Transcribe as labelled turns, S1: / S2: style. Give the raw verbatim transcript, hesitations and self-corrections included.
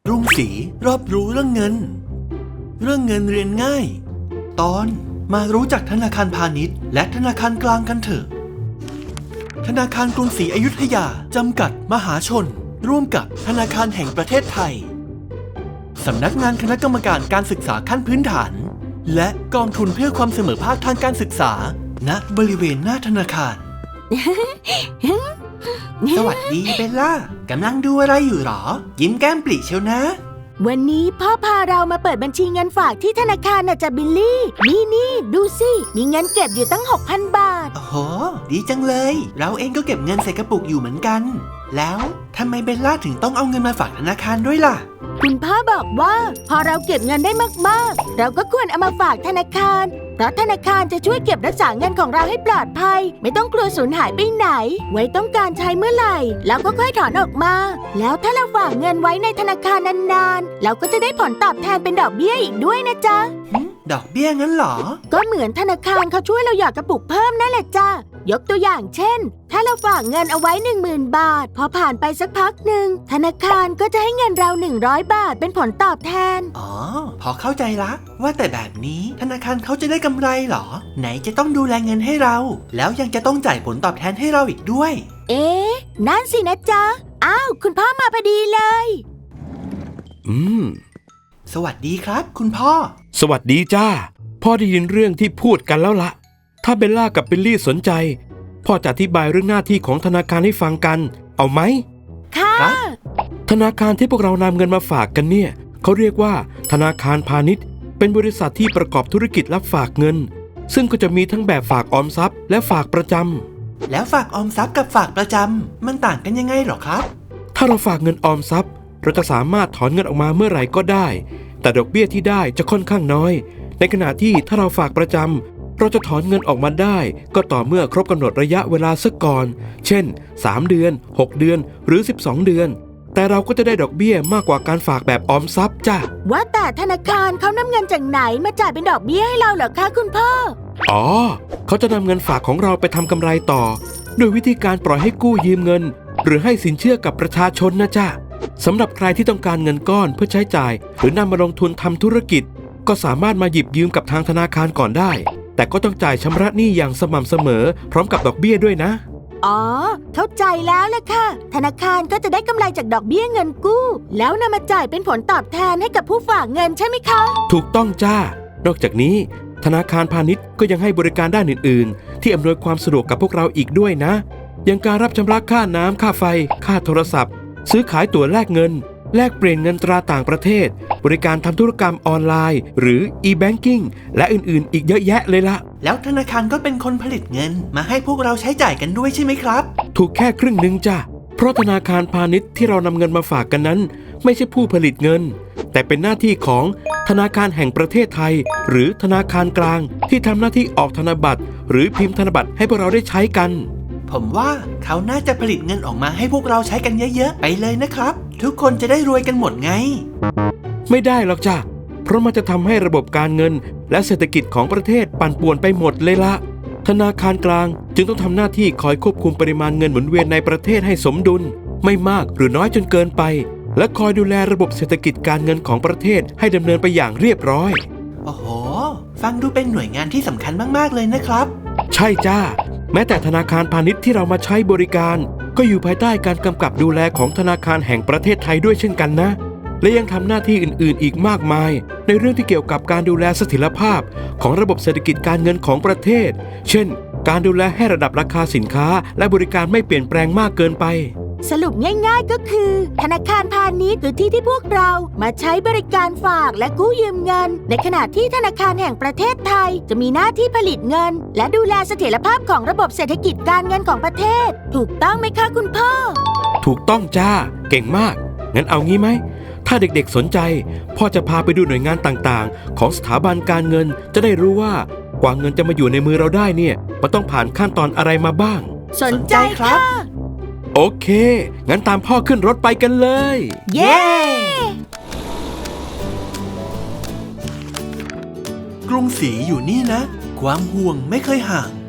S1: กรุงศรีรอบรู้เรื่องเงินเรื่องเงินเรียนง่ายตอนมารู้จักธนาคารพาณิชย์และธนาคารกลางกันเถอะธนาคารกรุงศรีอยุธยาจำกัดมหาชนร่วมกับธนาคารแห่งประเทศไทยสำนักงานคณะกรรมการการศึกษาขั้นพื้นฐานและกองทุนเพื่อความเสมอภาคทางการศึกษาณบริเวณหน้าธนาคาร สวัสดีเบลล่ากำลังดูอะไรอยู่หรอยิ้มแก้มปริเชียวนะ
S2: วันนี้พ่อพาเรามาเปิดบัญชีเงินฝากที่ธนาคารน่ะจ้ะบิลลี่นี่นี่ดูสิมีเงินเก็บอยู่ตั้ง หกพัน บาท
S1: โอ้โหดีจังเลยเราเองก็เก็บเงินใส่กระปุกอยู่เหมือนกันแล้วทำไมเบลล่าถึงต้องเอาเงินมาฝากธนาคารด้วยล่ะ
S2: คุณพ่อบอกว่าพอเราเก็บเงินได้มากๆเราก็ควรเอามาฝากธนาคารเพราะธนาคารจะช่วยเก็บรักษาเงินของเราให้ปลอดภัยไม่ต้องกลัวสูญหายไปไหนไว้ต้องการใช้เมื่อไหร่เราก็ค่อยถอนออกมาแล้วถ้าเราฝากเงินไว้ในธนาคารนานๆเราก็จะได้ผลตอบแทนเป็นดอกเบี้ยอีกด้วยนะจ๊ะ
S1: ดอกเบี้ยงั้นเหรอ
S2: ก็เหมือนธนาคารเขาช่วยเราหยอดกระปุกเพิ่มนั่นแหละจ้ะยกตัวอย่างเช่นถ้าเราฝากเงินเอาไว้ หนึ่งหมื่น บาทพอผ่านไปสักพักหนึ่งธนาคารก็จะให้เงินเราหนึ่งร้อยบาทเป็นผลตอบแทน
S1: อ๋อพอเข้าใจละว่าแต่แบบนี้ธนาคารเขาจะได้กำไรเหรอไหนจะต้องดูแลเงินให้เราแล้วยังจะต้องจ่ายผลตอบแทนให้เราอีกด้วย
S2: เอ๊ะนั่นสินะจ๊ะอ้าวคุณพ่อมาพอดีเลย
S3: อืม
S1: สวัสดีครับคุณพ่อ
S3: สวัสดีจ้าพ่อได้ยินเรื่องที่พูดกันแล้วละถ้าเบลล่ากับบิลลี่สนใจพ่อจะอธิบายเรื่องหน้าที่ของธนาคารให้ฟังกันเอาไหม
S2: ค่ะ
S3: ธนาคารที่พวกเรานำเงินมาฝากกันเนี่ยเขาเรียกว่าธนาคารพาณิชย์เป็นบริษัทที่ประกอบธุรกิจรับฝากเงินซึ่งก็จะมีทั้งแบบฝากออมทรัพย์และฝากประจ
S1: ำแล้วฝากออมทรัพย์กับฝากประจำมันต่างกันยังไงหรอครับ
S3: ถ้าเราฝากเงินออมทรัพย์เราจะสามารถถอนเงินออกมาเมื่อไหร่ก็ได้แต่ดอกเบี้ยที่ได้จะค่อนข้างน้อยในขณะที่ถ้าเราฝากประจำเราจะถอนเงินออกมาได้ก็ต่อเมื่อครบกำหนดระยะเวลาซะก่อนเช่นสามเดือนหกเดือนหรือสิบสองเดือนแต่เราก็จะได้ดอกเบี้ยมากกว่าการฝากแบบออมทรัพย์จ้ะ
S2: ว่าแต่ธนาคารเขานำเงินจากไหนมาจ่ายเป็นดอกเบี้ยให้เราเหรอคะคุณพ่อ
S3: อ๋อเขาจะนำเงินฝากของเราไปทำกำไรต่อโดยวิธีการปล่อยให้กู้ยืมเงินหรือให้สินเชื่อกับประชาชนนะจ๊ะสำหรับใครที่ต้องการเงินก้อนเพื่อใช้จ่ายหรือนำมาลงทุนทำธุรกิจก็สามารถมาหยิบยืมกับทางธนาคารก่อนได้แต่ก็ต้องจ่ายชำระหนี้อย่างสม่ำเสมอพร้อมกับดอกเบี้ยด้วยนะ
S2: อ๋อเข้าใจแล้วล่ะค่ะธนาคารก็จะได้กำไรจากดอกเบี้ยเงินกู้แล้วนำมาจ่ายเป็นผลตอบแทนให้กับผู้ฝากเงินใช่ไหมคะ
S3: ถูกต้องจ้านอกจากนี้ธนาคารพาณิชย์ก็ยังให้บริการด้านอื่นๆที่อำนวยความสะดวกกับพวกเราอีกด้วยนะอย่างการรับชำระค่าน้ำค่าไฟค่าโทรศัพท์ซื้อขายตั๋วแลกเงินแลกเปลี่ยนเงินตราต่างประเทศบริการทำธุรกรรมออนไลน์หรือ e-banking และอื่นๆอีกเยอะแยะเลยละ
S1: แล้วธนาคารก็เป็นคนผลิตเงินมาให้พวกเราใช้จ่ายกันด้วยใช่ไหมครับ
S3: ถูกแค่ครึ่งหนึ่งจ้ะเพราะธนาคารพาณิชย์ที่เรานำเงินมาฝากกันนั้นไม่ใช่ผู้ผลิตเงินแต่เป็นหน้าที่ของธนาคารแห่งประเทศไทยหรือธนาคารกลางที่ทำหน้าที่ออกธนบัตรหรือพิมพ์ธนบัตรให้พวกเราได้ใช้กัน
S1: ผมว่าเขาน่าจะผลิตเงินออกมาให้พวกเราใช้กันเยอะๆไปเลยนะครับทุกคนจะได้รวยกันหมดไง
S3: ไม่ได้หรอกจ้ะเพราะมันจะทำให้ระบบการเงินและเศรษฐกิจของประเทศปั่นป่วนไปหมดเลยละธนาคารกลางจึงต้องทำหน้าที่คอยควบคุมปริมาณเงินหมุนเวียนในประเทศให้สมดุลไม่มากหรือน้อยจนเกินไปและคอยดูแลระบบเศรษฐกิจการเงินของประเทศให้ดำเนินไปอย่างเรียบร้อย
S1: โอ้โหฟังดูเป็นหน่วยงานที่สำคัญมากๆเลยนะครับ
S3: ใช่จ้าแม้แต่ธนาคารพาณิชย์ที่เรามาใช้บริการก็อยู่ภายใต้การกำกับดูแลของธนาคารแห่งประเทศไทยด้วยเช่นกันนะและยังทำหน้าที่อื่นๆอีกมากมายในเรื่องที่เกี่ยวกับการดูแลเสถียรภาพของระบบเศรษฐกิจการเงินของประเทศเช่นการดูแลให้ระดับราคาสินค้าและบริการไม่เปลี่ยนแปลงมากเกินไป
S2: สรุปง่ายๆก็คือธนาคารพาณิชย์คือที่ที่พวกเรามาใช้บริการฝากและกู้ยืมเงินในขณะที่ธนาคารแห่งประเทศไทยจะมีหน้าที่ผลิตเงินและดูแลเสถียรภาพของระบบเศรษฐกิจการเงินของประเทศถูกต้องไหมคะคุณพ่อ
S3: ถูกต้องจ้าเก่งมากงั้นเอางี้ไหมถ้าเด็กๆสนใจพ่อจะพาไปดูหน่วยงานต่างๆของสถาบันการเงินจะได้รู้ว่ากว่าเงินจะมาอยู่ในมือเราได้เนี่ยมันต้องผ่านขั้นตอนอะไรมาบ้าง
S2: สนใจครับ
S3: โอเคงั้นตามพ่อขึ้นรถไปกันเลย
S2: เย้
S1: กรุงศรีอยู่นี่นะความห่วงไม่เคยห่าง